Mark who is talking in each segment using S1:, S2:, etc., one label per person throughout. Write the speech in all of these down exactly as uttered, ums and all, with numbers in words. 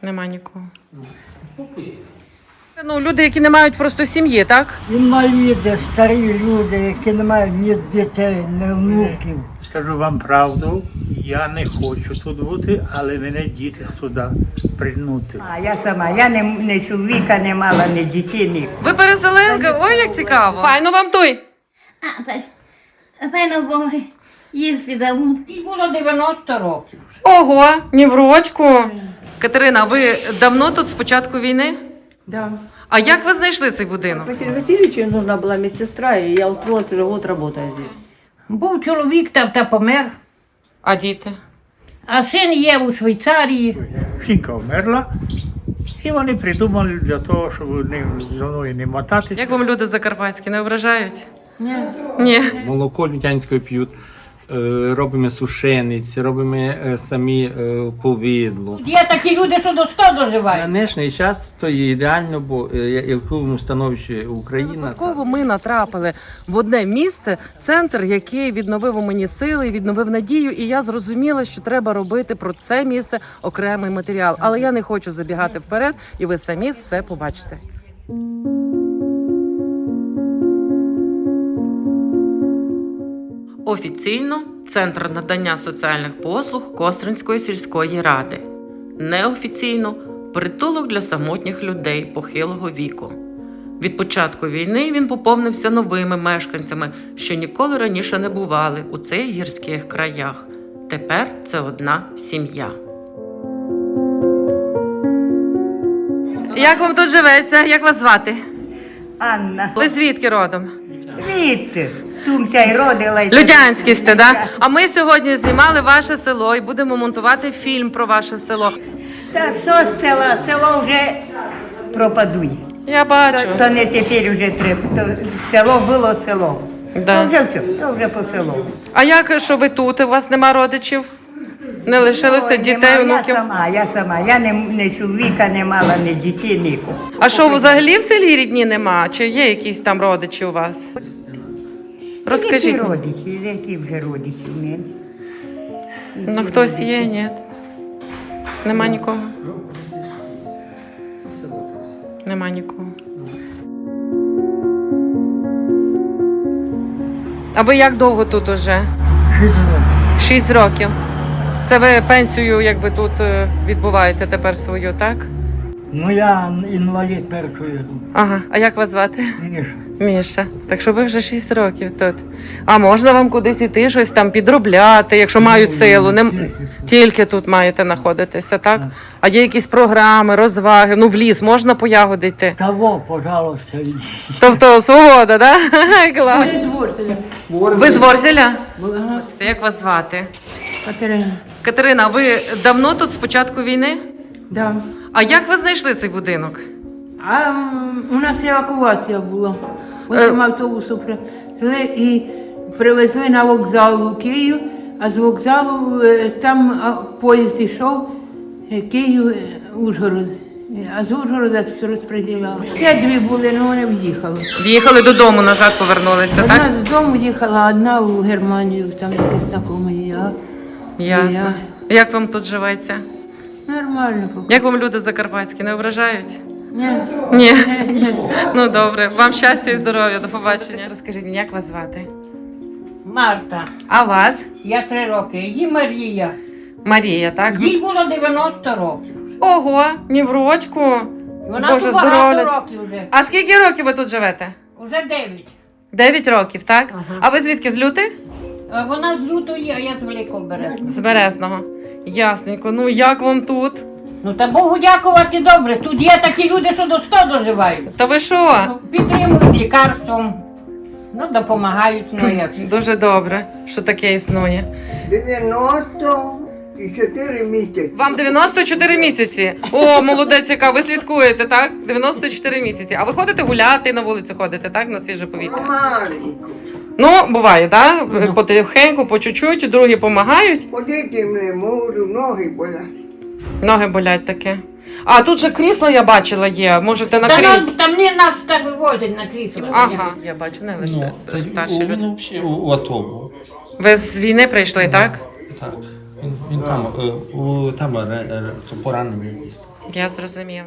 S1: Нема нікого. Ну, люди, які не мають просто сім'ї, так?
S2: Інваліди, старі люди, які не мають ні дітей, ні внуків.
S3: Скажу вам правду, я не хочу тут бути, але мене діти сюди пригнути.
S2: А я сама, я не, не чоловіка не мала, ні дітей, ні.
S1: Ви переселенка? Ой, як цікаво. Файно вам той.
S4: А, так. Файно було їсти давно.
S5: Їй було дев'яносто років.
S1: Ого, ні в рочку. Катерина, ви давно тут з початку війни?
S6: Да.
S1: А як ви знайшли цей будинок?
S6: Василию Васильевичу нужна была медсестра, и я устроилась, уже год работаю здесь.
S5: Був чоловік та, та помер,
S1: А діти?
S5: а син є у Швейцарії.
S3: Жінка вмерла, і вони придумали для того, щоб не, зі мною не мотатися.
S1: Як вам люди закарпатські, не ображають?
S6: Ні.
S1: Ні.
S7: Молоко лютянське п'ють, е, робимо сушениці, робимо е, самі е, повидло.
S5: Є такі люди, що до сто
S7: На
S5: доживають.
S7: нинішній час то є ідеально, бо е, я в якому становищі Україна.
S1: Випадково ми натрапили в одне місце, центр, який відновив у мені сили, відновив надію, і я зрозуміла, що треба робити про це місце окремий матеріал. Але я не хочу забігати вперед, і ви самі все побачите. Офіційно Центр надання соціальних послуг Костринської сільської ради. Неофіційно притулок для самотніх людей похилого віку. Від початку війни він поповнився новими мешканцями, що ніколи раніше не бували у цих гірських краях. Тепер це одна сім'я. Як вам тут живеться? Як вас звати?
S2: Анна,
S1: Ви звідки родом?
S2: звідти, тумся й родила. й-
S1: Людянські сте, да? А ми сьогодні знімали ваше село і будемо монтувати фільм про ваше село.
S2: Та що з села? Село вже пропадує.
S1: Я
S2: То,
S1: бачу.
S2: то не тепер вже треба. То село було село.
S1: Да.
S2: То вже все, то вже по селу.
S1: А як, що ви тут? У вас нема родичів? Не лишилося
S2: Ой,
S1: дітей,
S2: нема,
S1: онуків?
S2: Я сама, я сама. Я не, не чоловіка не мала, ні дітей, нікого.
S1: А що, взагалі в селі рідні нема? Чи є якісь там родичі у вас? Розкажіть.
S2: Які
S1: мені.
S2: родичі, які вже родичі в мене?
S1: Ну хтось є, ні? Нема нікого? Нема нікого. А ви як довго тут уже? Шість років. Це ви пенсію якби тут е, відбуваєте тепер свою, так?
S2: Ну я інвалід першої
S1: Ага. А як вас звати?
S2: ніж.
S1: Міша. Так що ви вже шість років тут. А можна вам кудись іти, щось там підробляти, якщо мають силу? Не... Тільки тут маєте знаходитися, так? А є якісь програми, розваги? Ну в ліс можна по ягоди йти?
S2: Того, пожалуйста.
S1: Тобто свобода, так? Да? Клас. Ви з Ворзеля? Це як вас звати?
S6: Катерина.
S1: Катерина, ви давно тут з початку війни?
S6: Да.
S1: А як ви знайшли цей будинок?
S6: А м, у нас евакуація була.
S1: Е.
S6: Потім автобусу привезли і привезли на вокзал у Київ, а з вокзалу е, там а, поїзд йшов е, Київ, е, Ужгород. Е, А з Ужгорода розподіляли. Ще дві були, але вони в'їхали.
S1: В'їхали додому, назад повернулися, так?
S6: Одна додому їхала, а одна у Германію, там якесь знакоме. Я.
S1: Ясно. Як вам тут живеться?
S6: Нормально поки.
S1: Як вам люди закарпатські, не ображають?
S6: Ні.
S1: Ні. Ну добре. Вам щастя і здоров'я. До побачення. Розкажіть мені, як вас звати?
S5: Марта,
S1: А вас?
S5: я три роки, її Марія.
S1: Марія, так?
S5: Їй було дев'яносто років.
S1: Ого, ні в рочку.
S5: Вона
S1: Боже,
S5: тут багато
S1: здоров'я.
S5: років вже.
S1: А скільки років ви тут живете?
S5: Уже дев'ять.
S1: Дев'ять років, так?
S5: Ага.
S1: А ви звідки, з Люти?
S5: А вона з лютої, а я з Великого Березня.
S1: З Березного. Ясненько. Ну як вам тут?
S5: Ну та Богу дякувати добре. Тут є такі люди, що до сто доживають.
S1: Та ви що?
S5: Ну, підтримують лікарством. Ну, допомагають, ну як.
S1: Дуже добре, що таке існує.
S8: дев'яносто чотири місяці.
S1: Вам дев'яносто чотири місяці. О, молодець, яка, ви слідкуєте, так? дев'яносто чотири місяці. А ви ходите гуляти, на вулицю ходите, так? На свіже повітря?
S8: Маленько.
S1: Ну, буває, так? Потихеньку, по чуть-чуть, другі допомагають.
S8: Ходити не можу, ноги болять.
S1: Ноги болять таке. А тут же крісло я бачила є, можете на
S5: Та нас,
S1: крісло.
S5: там не нас так вивозять на крісло.
S1: Ага, я бачу, не лише
S9: Ну, та й
S1: старші
S9: він
S1: люди.
S9: взагалі у АТО був.
S1: Ви з війни прийшли, так?
S9: Так. Він,
S7: Він там, е, у, там е, е, поранений якийсь.
S1: Я зрозуміла.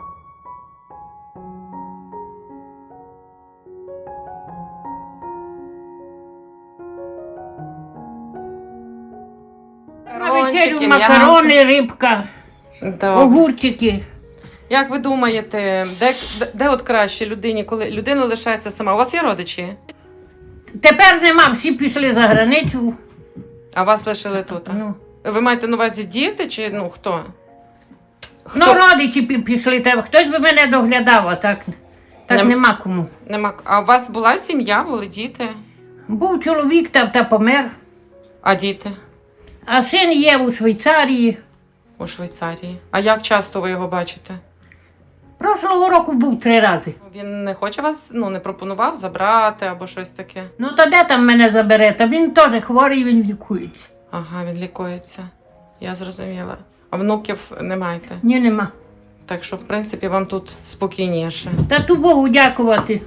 S5: На вечерю макарони, рибка,
S1: Добре.
S5: огурчики.
S1: Як ви думаєте, де, де, де от краще людині, коли людина лишається сама? У вас є родичі?
S5: Тепер нема, всі пішли за границю.
S1: А вас лишили тут? а?
S5: Ну,
S1: Ви маєте на увазі діти чи ну хто?
S5: ну родичі пі- пішли, та хтось би мене доглядав, а так, так
S1: Нем-
S5: нема кому.
S1: Нема. А у вас була сім'я, були діти?
S5: Був чоловік та, та помер,
S1: А діти?
S5: а син є у Швейцарії.
S1: У Швейцарії. А як часто ви його бачите?
S5: Прошлого року був три рази.
S1: Він не хоче вас, ну не пропонував забрати або щось таке?
S5: Ну то де там мене забере? Та він теж хворий, він лікується.
S1: Ага, він лікується. Я зрозуміла. А внуків не маєте?
S5: Ні, нема.
S1: Так що, в принципі, вам тут спокійніше.
S5: Та ту Богу дякувати.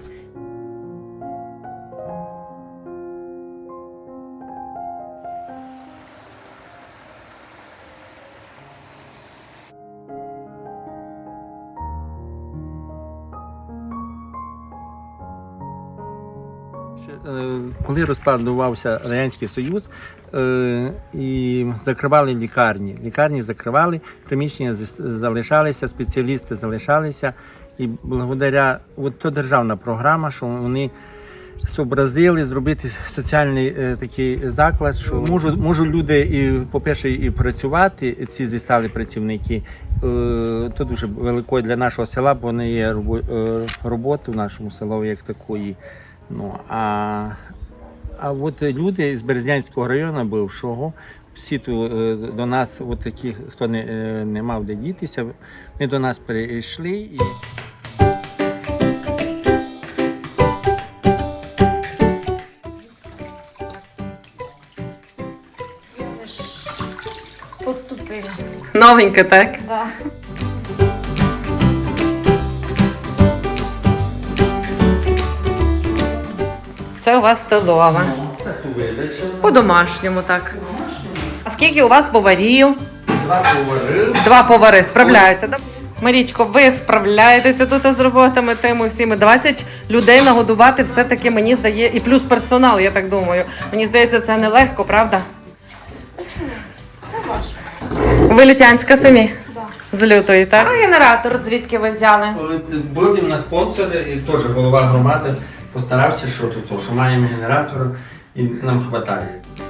S7: Е, Коли розпадувався Радянський Союз е, і закривали лікарні, лікарні закривали, приміщення зас- залишалися, спеціалісти залишалися. І благодаря, от то державна програма, що вони зобразили зробити соціальний е, такий заклад, що можуть, можуть люди, і, по-перше, і працювати, ці зі стали працівники. Е, то дуже велико для нашого села, бо не є робо- е, роботи в нашому селі як такої. Ну, а, а от люди з Березнянського району бившого, всі ту, е, до нас, от такі, хто не, е, не мав де дітися, вони до нас перейшли. І...
S4: Поступила.
S1: Новеньке, так?
S4: Да.
S1: Це у вас столова. По-домашньому, так. А скільки у вас поварів?
S7: Два повари.
S1: Два повари справляються. да? Марічко, ви справляєтеся тут з роботами тими всіми. двадцять людей нагодувати все-таки, мені здається, і плюс персонал, я так думаю. Мені здається, це нелегко, правда? Ви Лютянська самі? З Лютої, так? А генератор звідки ви взяли?
S7: От були в нас спонсори, і теж голова громади постарався, що тут, що маємо генератор і нам вистачає.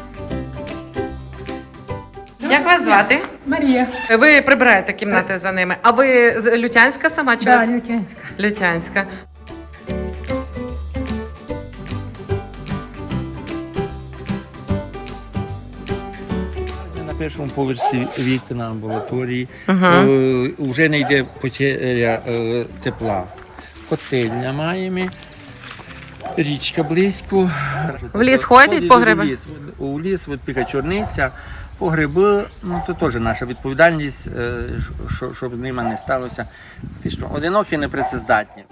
S1: Як вас звати?
S2: Марія.
S1: Ви прибираєте кімнати за ними. А ви з Лютянська сама чи?
S2: Да,
S1: ви-
S2: Лютянська.
S1: Лютянська.
S7: На першому поверсі вікна амбулаторії
S1: Ага.
S7: е, вже не йде потеря е, тепла. Котельня маємо, річка близько.
S1: В ліс ходять по гриби?
S7: У ліс, у ліс от піка чорниця, по гриби, ну це теж наша відповідальність, е, що- щоб з ними не сталося. Фактично, одинокі непрацездатні.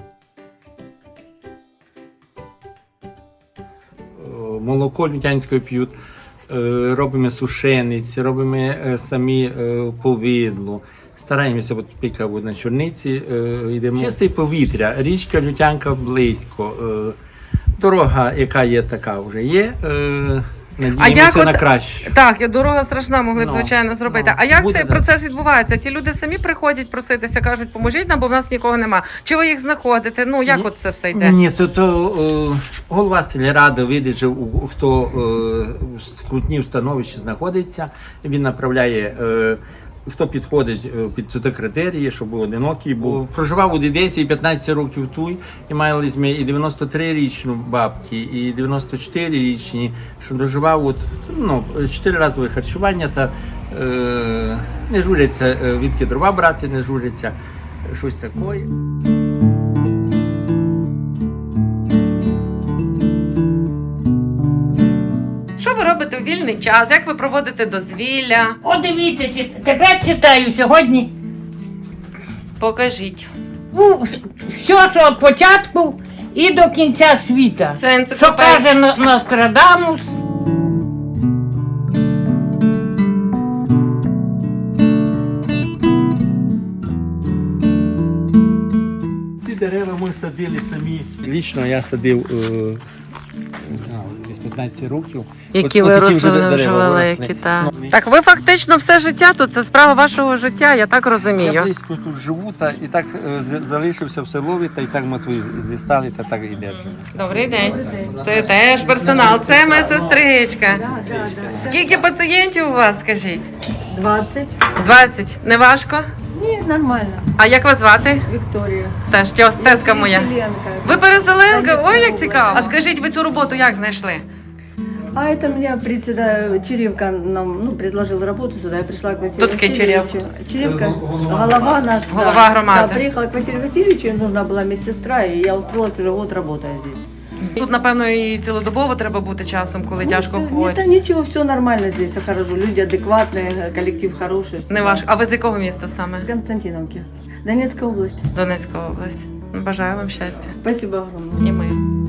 S7: Молоко лютянське п'ють, е, робимо сушениці, робимо е, самі е, повидло. Стараємося, от піка от на чорниці, е, йдемо. Чисте повітря, річка Лютянка близько. Е, дорога, яка є, така вже є. Е, надіємося
S1: як
S7: на
S1: оце-
S7: краще.
S1: Так, дорога страшна, могли б,
S7: Ну,
S1: звичайно, зробити.
S7: ну,
S1: а як
S7: буде,
S1: цей
S7: да.
S1: процес відбувається? Ті люди самі приходять проситися, кажуть, поможіть нам, бо в нас нікого нема. Чи ви їх знаходите? Ну, як
S7: Ні.
S1: от це все йде?
S7: Ні, то, то е, голова сільради видить, що у- хто е, в скрутній становищі знаходиться, він направляє, е, хто підходить е, під ті критерії, щоб був одинокий, був. Проживав у Дідесі п'ятнадцять років тут, і мали ми і дев'яносто три-річну бабки, і дев'яносто чотири-річні, що доживав от, ну, чотири разове харчування, та е, не журяться, е, відки дрова брати, не журяться, щось таке.
S1: Що ви робите у вільний час? Як ви проводите дозвілля?
S5: О, дивіться, чи- тепер читаю сьогодні.
S1: Покажіть.
S5: Ну, все, що від початку і до кінця світа.
S1: Це
S5: Що
S1: енциклопедія.
S5: каже На- Нострадамус.
S7: дерева ми садили самі. Лічно я садив е, а, десь п'ятнадцять років.
S1: Які
S7: От- от такі
S1: виросли, вони вже
S7: дерева
S1: великі.
S7: виросли.
S1: Та.
S7: Ну,
S1: Так ви фактично все життя тут, це справа вашого життя, я так
S7: Я
S1: розумію.
S7: близько тут живу, та і так е, з- залишився в селові, та і так ми тут зістали, та так і держимо.
S1: Добрий день. Це теж персонал, це моя сестричка. Скільки пацієнтів у вас, скажіть?
S9: двадцять.
S1: двадцять. Не важко?
S9: Ні, нормально.
S1: А як вас звати?
S9: Вікторія.
S1: Теж тезка моя.
S9: Переселенка.
S1: Ви переселенка? Ой, як цікаво. А скажіть, ви цю роботу як знайшли?
S9: А это мне председатель Черевка нам ну, предложил работу сюда. Я пришла к Василию
S1: Кто такие
S9: Васильевичу. Черевка, голова наш. да.
S1: Голова громады.
S9: Да, приехала к Василию Васильевичу, им нужна была медсестра, и я устроилась, уже год работаю здесь.
S1: Тут, напевно, і цілодобово треба бути часом, коли тяжко
S9: Ну,
S1: хворі.
S9: это ничего, все нормально здесь, все хорошо. Люди адекватные, коллектив хороший.
S1: Не важко. А ви з якого міста саме?
S9: С Константиновки. Донецкая область.
S1: Донецька область. Бажаю вам щастя.
S9: Спасибо огромное.
S1: І ми.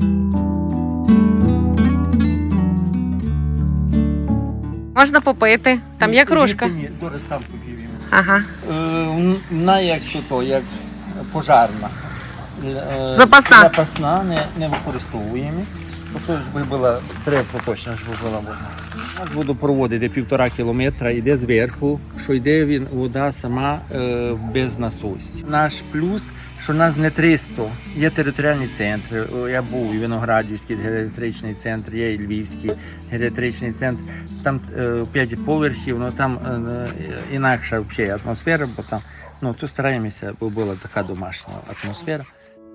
S1: Можна попити. Там є кружка.
S7: Ні, зараз там тобі він.
S1: Ага.
S7: Е, Вона як що то, як пожарна. Е,
S1: Запасна.
S7: Запасна, не, не використовуємо. Тобто ж була, треба поточно, щоб була вода. У нас водопровод йде півтора кілометра, йде зверху, що йде він, вода сама е, без насосів. Наш плюс, що нас не триста, є територіальні центри. О, я був у Виноградівський геріатричний центр, є і Львівський геріатричний центр. Там е, п'ять поверхів, ну там е, інакша взагалі атмосфера, бо там ну, то стараємося, бо була така домашня атмосфера.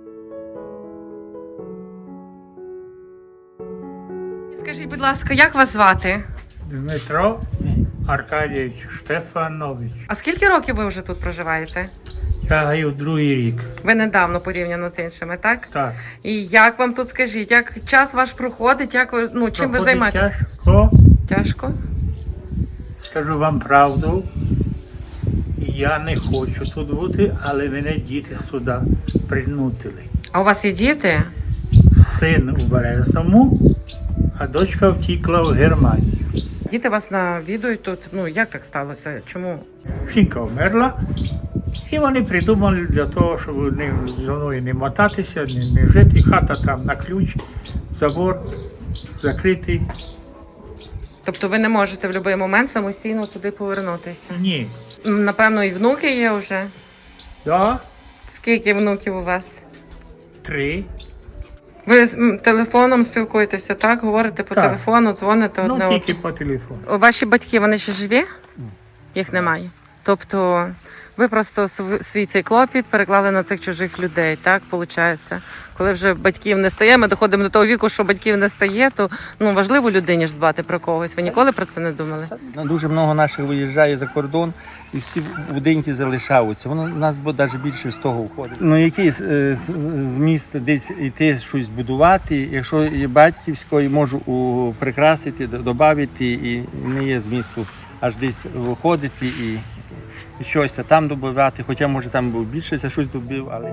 S1: Скажіть, будь ласка, як вас звати?
S3: Дмитро Аркадійович Штефанович.
S1: А скільки років ви вже тут проживаєте?
S3: Тягаю другий рік.
S1: Ви недавно порівняно з іншими, так?
S3: Так.
S1: І як вам тут скажіть, як час ваш проходить, як ви, ну, чим ви
S3: Проходить
S1: займаєтесь?
S3: Тяжко.
S1: Тяжко?
S3: Скажу вам правду. Я не хочу тут бути, але мене діти сюди принутили.
S1: А у вас є діти?
S3: Син у Березному, а дочка втікла в Германію.
S1: Діти вас навідують тут. Ну, як так сталося? Чому?
S3: Жінка вмерла, і вони придумали для того, щоб не, зі мною не мотатися, не, не жити. Хата там на ключ, забор закритий.
S1: Тобто ви не можете в будь-який момент самостійно туди повернутися?
S3: Ні.
S1: М, Напевно, і внуки є вже.
S3: Да,
S1: Скільки внуків у вас?
S3: три.
S1: Ви з м, телефоном спілкуєтеся, так? Говорите по
S3: Так.
S1: телефону, дзвоните одне
S3: Ну,
S1: одному.
S3: тільки по телефону.
S1: Ваші батьки, вони ще живі? Їх немає. Тобто ви просто св- свій цей клопіт переклали на цих чужих людей, так, виходить? Коли вже батьків не стає, ми доходимо до того віку, що батьків не стає, то ну, важливо людині ж дбати про когось. Ви ніколи про це не думали?
S7: Ну, дуже багато наших виїжджає за кордон і всі будинки залишаються. Воно у нас буде навіть більше з того входить. Ну який е, з- зміст десь йти щось будувати, якщо є батьківсько, і можу у, прикрасити, д- додати, і не є змісту аж десь виходити і, і щось там додати, хоча може там був більше, я щось добив, але.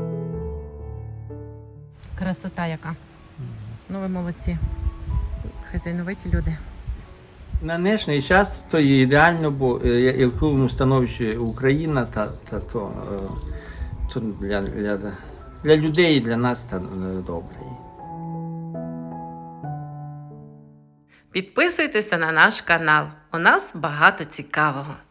S1: Красота яка. Ну ви молодці. Хазяйновиті люди.
S7: На нинішній час то є ідеально, бо е, я- в якому становищі Україна, та, та то, е, то для, для, для людей і для нас та, е, добре.
S1: Підписуйтеся на наш канал. У нас багато цікавого.